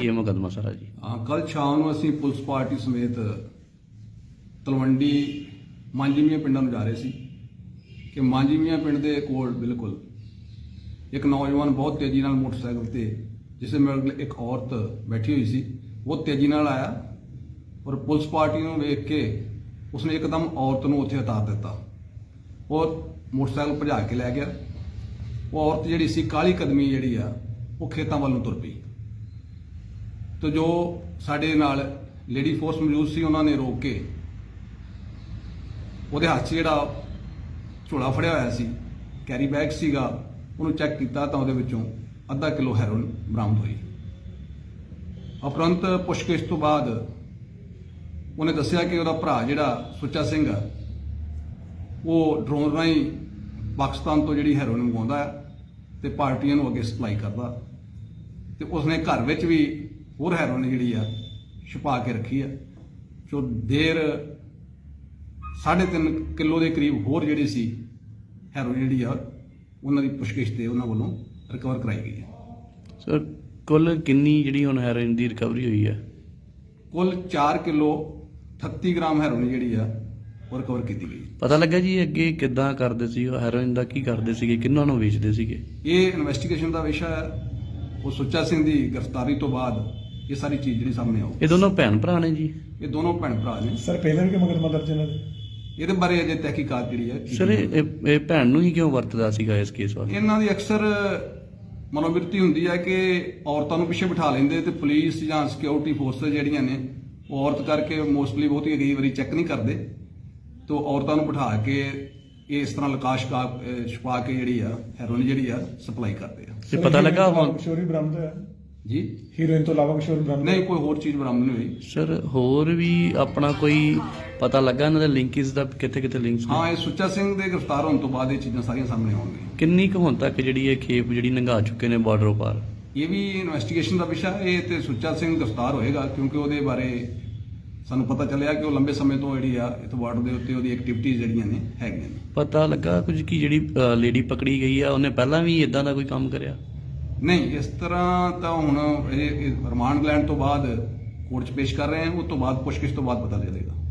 ਕੀ ਹੈ ਮੁਕੱਦਮਾ ਸਾਰਾ ਜੀ? ਕੱਲ ਸ਼ਾਮ ਨੂੰ ਅਸੀਂ ਪੁਲਿਸ ਪਾਰਟੀ ਸਮੇਤ ਤਲਵੰਡੀ ਮਾਂਜੀਮੀਆਂ ਪਿੰਡਾਂ ਨੂੰ ਜਾ ਰਹੇ ਸੀ ਕਿ ਮਾਂਜੀਮੀਆਂ ਪਿੰਡ ਦੇ ਕੋਲ ਬਿਲਕੁਲ ਇੱਕ ਨੌਜਵਾਨ ਬਹੁਤ ਤੇਜ਼ੀ ਨਾਲ ਮੋਟਰਸਾਈਕਲ ਤੇ ਜਿਸ ਨਾਲ ਇੱਕ ਔਰਤ ਬੈਠੀ ਹੋਈ ਸੀ ਬਹੁਤ ਤੇਜ਼ੀ ਨਾਲ ਆਇਆ ਔਰ ਪੁਲਿਸ ਪਾਰਟੀ ਨੂੰ ਵੇਖ ਕੇ ਉਸਨੇ ਇੱਕਦਮ ਔਰਤ ਨੂੰ ਉੱਥੇ ਉਤਾਰ ਦਿੱਤਾ ਔਰ ਮੋਟਰਸਾਈਕਲ ਭਜਾ ਕੇ ਲੈ ਗਿਆ। ਉਹ ਔਰਤ ਜਿਹੜੀ ਸੀ ਕਾਲੀ ਕਦਮੀ ਜਿਹੜੀ ਆ ਉਹ ਖੇਤਾਂ ਵੱਲ ਨੂੰ ਤੁਰ ਪਈ ਤੇ ਜੋ ਸਾਡੇ ਨਾਲ ਲੇਡੀ ਫੋਰਸ ਮੌਜੂਦ ਸੀ ਉਹਨਾਂ ਨੇ ਰੋਕ ਕੇ ਉਹਦੇ ਹੱਥ 'ਚ ਜਿਹੜਾ ਝੋਲਾ ਫੜਿਆ ਹੋਇਆ ਸੀ ਕੈਰੀ ਬੈਗ ਸੀਗਾ ਉਹਨੂੰ ਚੈੱਕ ਕੀਤਾ ਤਾਂ ਉਹਦੇ ਵਿੱਚੋਂ ਅੱਧਾ ਕਿਲੋ ਹੈਰੋਇਨ ਬਰਾਮਦ ਹੋਈ। ਉਪਰੰਤ ਪੁੱਛਗਿੱਛ ਤੋਂ ਬਾਅਦ ਉਹਨੇ ਦੱਸਿਆ ਕਿ ਉਹਦਾ ਭਰਾ ਜਿਹੜਾ ਸੁੱਚਾ ਸਿੰਘ ਆ ਉਹ ਡਰੋਨ ਰਾਹੀਂ ਪਾਕਿਸਤਾਨ ਤੋਂ ਜਿਹੜੀ ਹੈਰੋਇਨ ਮੰਗਵਾਉਂਦਾ ਹੈ ਤੇ ਪਾਰਟੀਆਂ ਨੂੰ ਅੱਗੇ ਸਪਲਾਈ ਕਰਦਾ ਤੇ ਉਸਨੇ ਘਰ ਵਿੱਚ ਵੀ ਹੋਰ ਹੈਰੋਇਨ ਜਿਹੜੀ ਆ ਛੁਪਾ ਕੇ ਰੱਖੀ ਆ ਜੋ ਦੇਰ 3.5 ਕਿਲੋ ਦੇ ਕਰੀਬ ਹੋਰ ਜਿਹੜੀ ਸੀ ਹੈਰੋਇਨ ਜਿਹੜੀ ਆ ਉਹਨਾਂ ਦੀ ਪੁੱਛਗਿੱਛ ਤੇ ਉਹਨਾਂ ਵੱਲੋਂ ਰਿਕਵਰ ਕਰਾਈ ਗਈ ਹੈ। ਸਰ ਕੁੱਲ ਕਿੰਨੀ ਜਿਹੜੀ ਹੁਣ ਹੈਰੋਇਨ ਦੀ ਰਿਕਵਰੀ ਹੋਈ ਹੈ? ਕੁੱਲ 4 ਕਿਲੋ 38 ਗ੍ਰਾਮ ਹੈਰੋਇਨ ਜਿਹੜੀ ਆ ਉਹ ਰਿਕਵਰ ਕੀਤੀ ਗਈ। ਪਤਾ ਲੱਗਾ ਜੀ ਅੱਗੇ ਕਿੱਦਾਂ ਕਰਦੇ ਸੀ ਉਹ ਹੈਰੋਇਨ ਦਾ, ਕੀ ਕਰਦੇ ਸੀਗੇ, ਕਿਹਨਾਂ ਨੂੰ ਵੇਚਦੇ ਸੀਗੇ? ਇਹ ਇਨਵੈਸਟੀਗੇਸ਼ਨ ਦਾ ਵਿਸ਼ਾ ਹੈ। ਉਹ ਸੁੱਚਾ ਸਿੰਘ ਦੀ ਗ੍ਰਿਫਤਾਰੀ ਤੋਂ ਬਾਅਦ ਇਹ ਸਾਰੀ ਚੀਜ਼ ਜਿਹੜੀ ਸਾਹਮਣੇ ਆਉ। ਇਹ ਦੋਨੋਂ ਭੈਣ ਭਰਾ ਨੇ ਜੀ? ਇਹ ਦੋਨੋਂ ਭੈਣ ਭਰਾ ਨੇ। ਸਰ ਪਹਿਲਾਂ ਵੀ ਕਿ ਮੁਕੱਦਮਾ ਦਰਜ ਇਹਨਾਂ ਦੇ? ਇਹਦੇ ਬਾਰੇ ਅਜੇ ਤਹਿਕੀਕਾਤ ਜਿਹੜੀ ਹੈ। ਸਰ ਇਹ ਭੈਣ ਨੂੰ ਹੀ ਕਿਉਂ ਵਰਤਦਾ ਸੀਗਾ ਇਸ ਕੇਸ ਵਾਸਤੇ? ਇਹਨਾਂ ਦੀ ਅਕਸਰ ਮਨੋਵਿਰਤੀ ਹੁੰਦੀ ਹੈ ਕਿ ਔਰਤਾਂ ਨੂੰ ਪਿੱਛੇ ਬਿਠਾ ਲੈਂਦੇ ਤੇ ਪੁਲਿਸ ਜਾਂ ਸਿਕਿਉਰਿਟੀ ਫੋਰਸਸ ਜਿਹੜੀਆਂ ਨੇ ਉਹ ਔਰਤ ਕਰਕੇ ਮੋਸਟਲੀ ਬਹੁਤੀ ਕਈ ਵਾਰੀ ਚੈੱਕ ਨਹੀਂ ਕਰਦੇ ਤੇ ਔਰਤਾਂ ਨੂੰ ਬਿਠਾ ਕੇ ਇਸ ਤਰ੍ਹਾਂ ਲਕਾਸ਼ ਛੁਪਾ ਕੇ ਜਿਹੜੀ ਆ ਹੈਰੋਇਨ ਜਿਹੜੀ ਆ ਸਪਲਾਈ ਕਰਦੇ ਆ। ਤੇ ਪਤਾ ਲੱਗਾ ਹੁਣ ਕੁਛ ਹੋਰ ਵੀ ਬਰਾਮਦ ਹੋਇਆ ਜੀ? ਹੀਰੋਇਨ ਤੋਂ ਇਲਾਵਾ ਕੁਛ ਹੋਰ ਬਰਾਮਦ ਨਹੀਂ, ਕੋਈ ਹੋਰ ਚੀਜ਼ ਬਰਾਮਦ ਨਹੀਂ ਹੋਈ। ਸਰ ਹੋਰ ਵੀ ਆਪਣਾ ਕੋਈ ਪਤਾ ਲੱਗਾ ਇਹਨਾਂ ਦੇ ਲਿੰਕਸ ਦਾ, ਕਿੱਥੇ ਕਿੱਥੇ ਲਿੰਕਸ? ਹਾਂ, ਇਹ ਸੁੱਚਾ ਸਿੰਘ ਦੇ ਗ੍ਰਿਫਤਾਰ ਹੋਣ ਤੋਂ ਬਾਅਦ ਇਹ ਚੀਜ਼ਾਂ ਸਾਰੀਆਂ ਸਾਹਮਣੇ ਆਉਣਗੀਆਂ। ਕਿੰਨੀ ਕੁ ਹੁਣ ਤੱਕ ਜਿਹੜੀ ਇਹ ਖੇਪ ਜਿਹੜੀ ਲੰਘਾ ਚੁੱਕੇ ਨੇ ਬਾਰਡਰੋਂ ਪਾਰ? ਇਹ ਵੀ ਇਨਵੈਸਟੀਗੇਸ਼ਨ ਦਾ ਵਿਸ਼ਾ। ਇਹ ਤੇ ਸੁੱਚਾ ਸਿੰਘ ਗ੍ਰਿਫਤਾਰ ਹੋਏਗਾ ਕਿਉਂਕਿ ਉਹਦੇ ਬਾਰੇ ਸਾਨੂੰ ਪਤਾ ਚੱਲਿਆ ਕਿ ਉਹ ਲੰਬੇ ਸਮੇਂ ਤੋਂ ਜਿਹੜੀ ਆ ਇਸ ਬਾਰਡਰ ਦੇ ਉੱਤੇ ਉਹਦੀ ਐਕਟੀਵਿਟੀਜ਼ ਜਿਹੜੀਆਂ ਨੇ ਹੈਗੀਆਂ ਨੇ। ਪਤਾ ਲੱਗਾ ਕੁਝ ਕਿ ਜਿਹੜੀ ਲੇਡੀ ਪਕੜੀ ਗਈ ਆ ਉਹਨੇ ਪਹਿਲਾਂ ਵੀ ਇਦਾਂ ਦਾ ਕੋਈ ਕੰਮ ਕਰਿਆ? ਨਹੀਂ, ਇਸ ਤਰ੍ਹਾਂ ਤਾਂ ਹੁਣ ਇਹ ਰਿਮਾਂਡ ਲੈਣ ਤੋਂ ਬਾਅਦ ਕੋਰਟ 'ਚ ਪੇਸ਼ ਕਰ ਰਹੇ ਹਾਂ, ਉਸ ਤੋਂ ਬਾਅਦ ਪੁੱਛਗਿੱਛ ਤੋਂ ਬਾਅਦ ਪਤਾ ਚੱਲੇਗਾ।